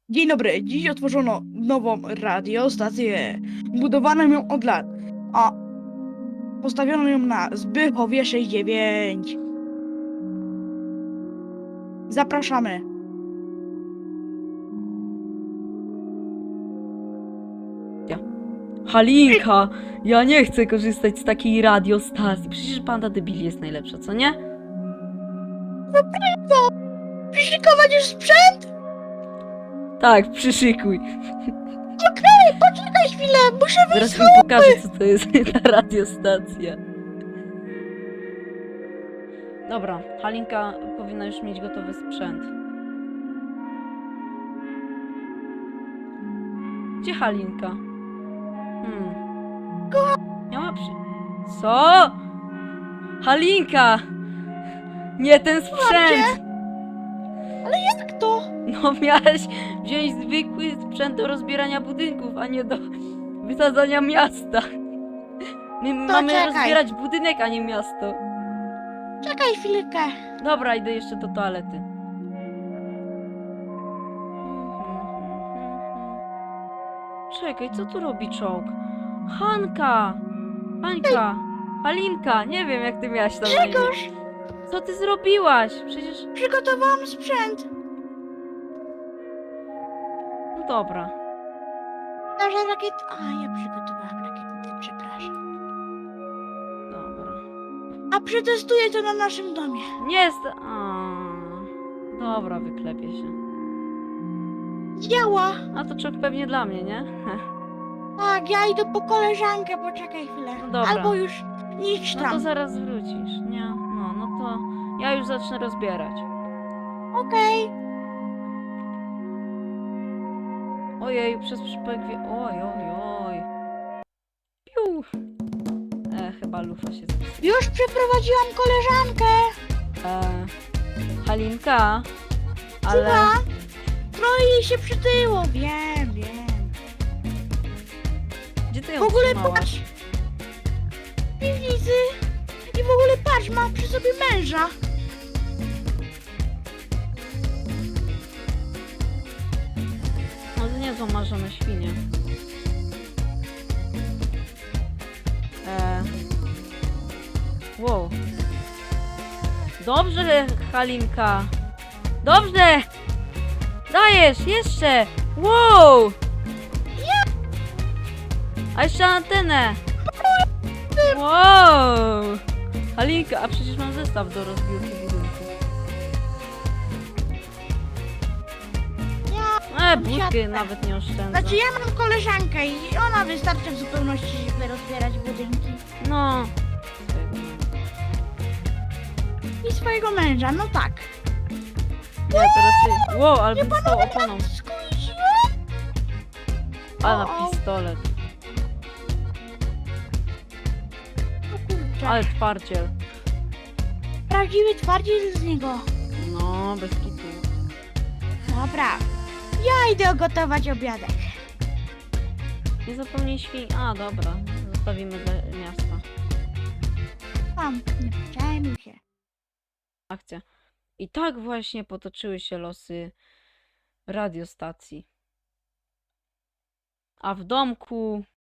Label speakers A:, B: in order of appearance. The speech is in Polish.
A: Dzień dobry, dziś otworzono nową radiostację. Budowano ją od lat, a postawiono ją na Zbychowie 69. Zapraszamy.
B: Halinka, ja nie chcę korzystać z takiej radiostacji. Przecież banda debili jest najlepsza, co nie?
A: Przyszykować już sprzęt?
B: Tak, przyszykuj.
A: Poczekaj chwilę, muszę wyjść
B: Zaraz
A: z
B: wam pokażę, co to jest ta radiostacja. Dobra, Halinka powinna już mieć gotowy sprzęt. Gdzie Halinka? Nie ma Co? Halinka! Nie ten sprzęt!
A: Jak to?
B: No miałeś wziąć zwykły sprzęt do rozbierania budynków, a nie do wysadzania miasta. My mamy
A: czekaj.
B: rozbierać budynek, a nie miasto.
A: Czekaj chwilkę.
B: Dobra, idę jeszcze do toalety. Czekaj, co tu robi czołg? Hanka! Hańka! Halinka! Nie wiem, jak ty miałaś tam na imię.
A: Grzegorz,
B: Co ty zrobiłaś? Przecież...
A: przygotowałam sprzęt.
B: No dobra.
A: Nasza rakieta... A, ja przygotowałam rakietę, przepraszam.
B: Dobra.
A: A przetestuję to na naszym domie.
B: Nie jest... Dobra, wyklepię się.
A: Działa.
B: A to czołg pewnie dla mnie, nie?
A: Tak, ja idę po koleżankę, poczekaj chwilę.
B: No dobra.
A: Albo już idź
B: No
A: tam.
B: to zaraz wrócisz, nie? No to ja już zacznę rozbierać.
A: Okej.
B: Ojej, przez przypadek Oj. Piu! Chyba lufa się zepsuła.
A: Już przeprowadziłam koleżankę.
B: Halinka, ale...
A: Słucham? No i jej się przytyło, wiem.
B: Gdzie ty ją
A: W ogóle
B: trzymałaś?
A: patrz. W piwnicy. I w ogóle patrz, ma przy sobie męża.
B: No to nie są marzone świnie. Wow. Dobrze, Halinka. Dobrze! Dajesz, jeszcze! Wow! A jeszcze antenę! Wow! Halinka, a przecież mam zestaw do rozbiórki budynku. Budkę nawet nie oszczędzę.
A: Znaczy ja mam koleżankę i ona wystarczy w zupełności, żeby rozbierać budynki.
B: No.
A: I swojego męża, no tak.
B: Nie, teraz ty. Wow, ale bym stał oponą.
A: Skusiłem?
B: A na pistolet.
A: O kurczę.
B: Ale twardziel.
A: Prawdziwy twardziel z niego.
B: No, bez kitu.
A: Dobra. Ja idę gotować obiadek.
B: Nie zapomnij świń. A, dobra. Zostawimy dla miasta.
A: Tam, nie przejmuj się.
B: Akcja. I tak właśnie potoczyły się losy radiostacji. A w domku